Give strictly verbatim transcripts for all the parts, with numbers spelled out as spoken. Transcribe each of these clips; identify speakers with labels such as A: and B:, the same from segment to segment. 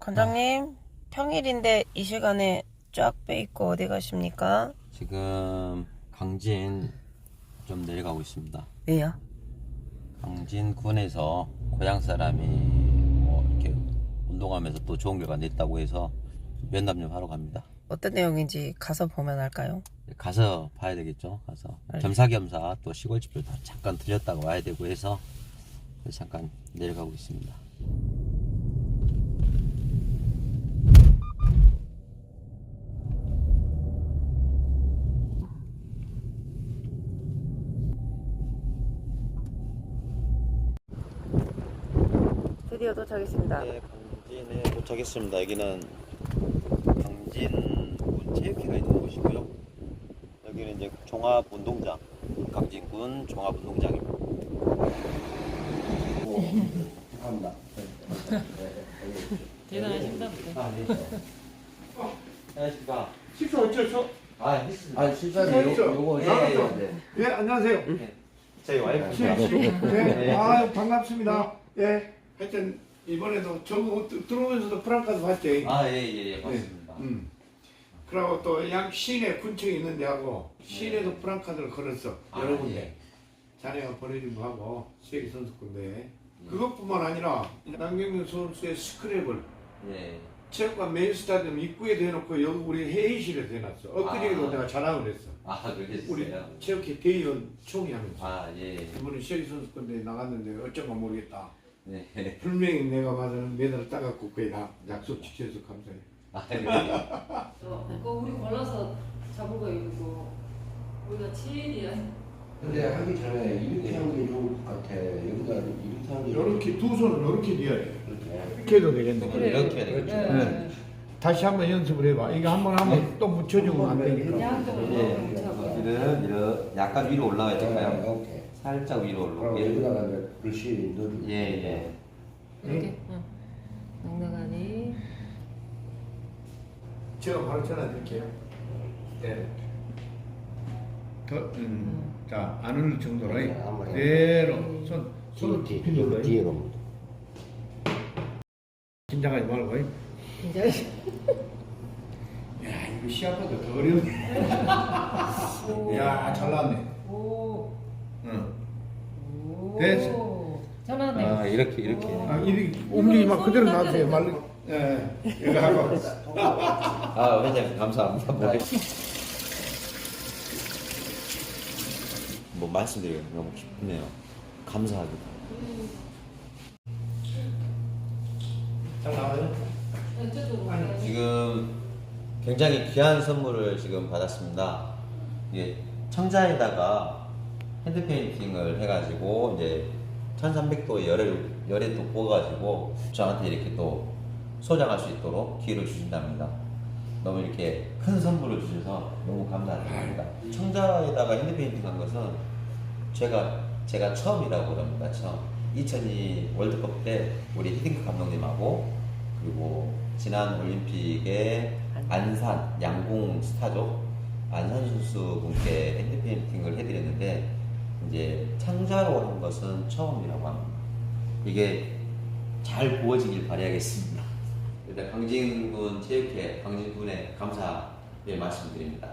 A: 관장님, 평일인데 이 시간에 쫙 빼입고 어디 가십니까?
B: 지금 강진 좀 내려가고 있습니다.
A: 왜요?
B: 강진군에서 고향 사람이 뭐 이렇게 운동하면서 또 좋은 결과 냈다고 해서 면담 좀 하러 갑니다.
A: 어떤 내용인지 가서 보면 알까요?
B: 가서 봐야 되겠죠. 가서
A: 알겠습니다.
B: 겸사겸사 또 시골 집도 다 잠깐 들렸다가 와야 되고 해서 그래서 잠깐 내려가고 있습니다.
A: 드디어 도착했습니다.
B: 네, 강진에 도착했습니다. 여기는 강진군 체육회가 있는 곳이고요. 여기는 이제 종합운동장, 강진군 종합운동장입니다. 감사합니다.
C: 대단하십니다.
B: 아, 네. 안녕하십니까.
D: 식사 어쩌죠?
B: 아, 했습니다.
E: 아, 실사는 요,
D: 있죠?
E: 요거,
B: 예,
E: 예,
D: 나갔죠?
E: 예,
D: 예, 안녕하세요.
B: 네. 저희 와이프입니다.
D: 네,
B: 네.
D: 아유, 반갑습니다. 예, 하여튼, 이번에도 저거 들어오면서도 프랑카드 봤지?
B: 아, 예, 예, 예, 맞습니다.
D: 음. 그리고 또 양 시내 군청에 있는 데하고 시내도
B: 네.
D: 프랑카드를 걸었어.
B: 아,
D: 여러 군데.
B: 예.
D: 자네가 보내준 거 하고, 세계 선수권대회. 그것뿐만 아니라, 남경민 선수의 스크랩을
B: 예.
D: 체육관 메인 스타디움 입구에 대놓고 여기 우리 회의실에 대놨어. 엊그제도
B: 아.
D: 내가 자랑을 했어.
B: 아, 그렇게
D: 우리
B: 됐어요.
D: 체육회 대의원 총회 하면서.
B: 아, 예.
D: 이번에 세계 선수권대회 나갔는데 어쩐가 모르겠다.
B: 네.
D: 분명히 내가 봐서는 메달을 따갖고 거의 다 약속 지켜서 감사해.
B: 아, 네.
C: 그거 우리 골라서 잡은 거 이거 우리가 치일이야.
E: 근데 하기 전에 이렇게 하는 게 좋을 것 같아. 여기다 이렇게 하는 게.
D: 이렇게 두 손을 이렇게 뉘어야 돼.
E: 이렇게.
D: 이렇게 해도 되겠네.
B: 그래. 이렇게 해야 되겠죠.
D: 네. 다시 한번 연습을 해봐. 이거 한번 하면 또 묻혀주면 안 되니까.
C: 양쪽으로
B: 예.
C: 뭉쳐봐.
B: 여기는 이런 약간 위로 올라가야 될까요?
E: 네, 오케이.
B: 살짝 위로
E: 그럼
B: 올라오게.
E: 여기다가 이제 글씨 넣어주고.
B: 예, 예.
C: 이렇게. 응. 넉넉하니.
D: 제가 바로 전화 드릴게요. 네. 더, 음, 자, 안 흘릴 정도로.
E: 네, 한번
D: 그대로. 손, 손을
E: 뒤,
D: 깊이
E: 뒤,
D: 눌러요.
E: 뒤에 가면.
D: 긴장하지 말고.
C: 굉장히.
D: 야, 이거 시합보다 더 어려운데. 야, 잘 나왔네.
C: 오.
D: 응.
C: 오.
D: 됐어.
C: 잘하네.
B: 아, 이렇게, 이렇게.
D: 아, 이리 움직이면 그대로 놔두세요. 말로. 예, 이거 하고.
B: 아, 회장님, 감사합니다. 뭐, 뭐 말씀드리기 너무 기쁘네요. 감사합니다.
D: 잘 나와요?
C: 저쪽으로.
B: 지금 굉장히 귀한 선물을 지금 받았습니다. 이게 청자에다가 핸드 페인팅을 해가지고 이제 천삼백 도의 열을 열에 또 구워가지고 저한테 이렇게 또 소장할 수 있도록 기회를 주신답니다. 너무 이렇게 큰 선물을 주셔서 너무 감사드립니다. 청자에다가 핸드 페인팅한 것은 제가 제가 처음이라고 그럽니다. 처음. 이천이 월드컵 때 우리 히딩크 감독님하고 그리고 지난 올림픽에 안산 양궁 스타죠. 안산 선수 분께 핸드 페인팅을 해드렸는데 이제 창자로 한 것은 처음이라고 합니다. 이게 잘 구워지길 바라겠습니다. 일단 강진군 체육회 강진군에 감사의 말씀드립니다.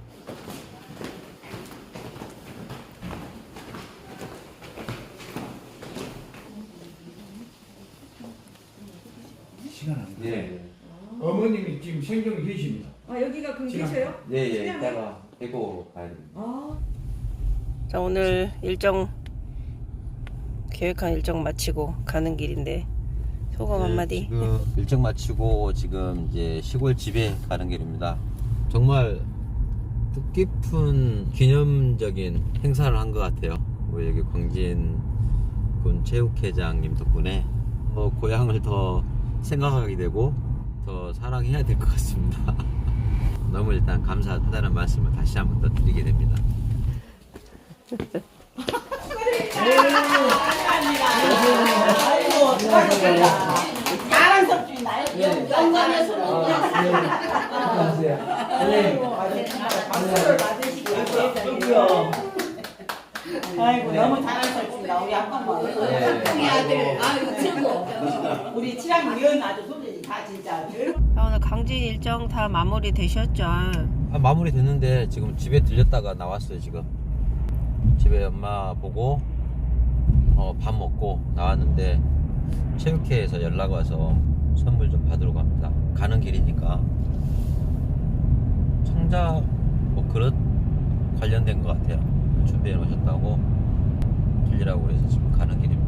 D: 시간 안 돼.
B: 네,
D: 어머님이 지금 생존 계십니다.
F: 아 여기가 그럼 계셔요?
B: 예, 예,
F: 수량이?
B: 이따가 대구 가야 됩니다.
F: 아
A: 자, 오늘 일정, 계획한 일정 마치고 가는 길인데 소감 한마디.
B: 네, 지금 일정 마치고 지금 이제 시골 집에 가는 길입니다. 정말 뜻깊은 기념적인 행사를 한 것 같아요. 우리 여기 광진군 체육회장님 덕분에 어, 고향을 더 생각하게 되고 더 사랑해야 될 것 같습니다. 너무 일단 감사하다는 말씀을 다시 한번 더 드리게 됩니다.
F: 자랑스럽지 나요? 영광에서 박수를 받으시고 아이고 너무 자랑스럽습니다 우리 아빠가 우리 아들 아이고 최고 우리 칠학 위원 아주 소리 다 진짜.
A: 아, 오늘 강진 일정 다 마무리 되셨죠?
B: 아, 마무리 됐는데 지금 집에 들렸다가 나왔어요. 지금 집에 엄마 보고 어, 밥 먹고 나왔는데 체육회에서 연락 와서 선물 좀 받으러 갑니다. 가는 길이니까 청자 뭐 그릇 관련된 것 같아요. 준비해 놓으셨다고 들리라고 그래서 지금 가는 길입니다.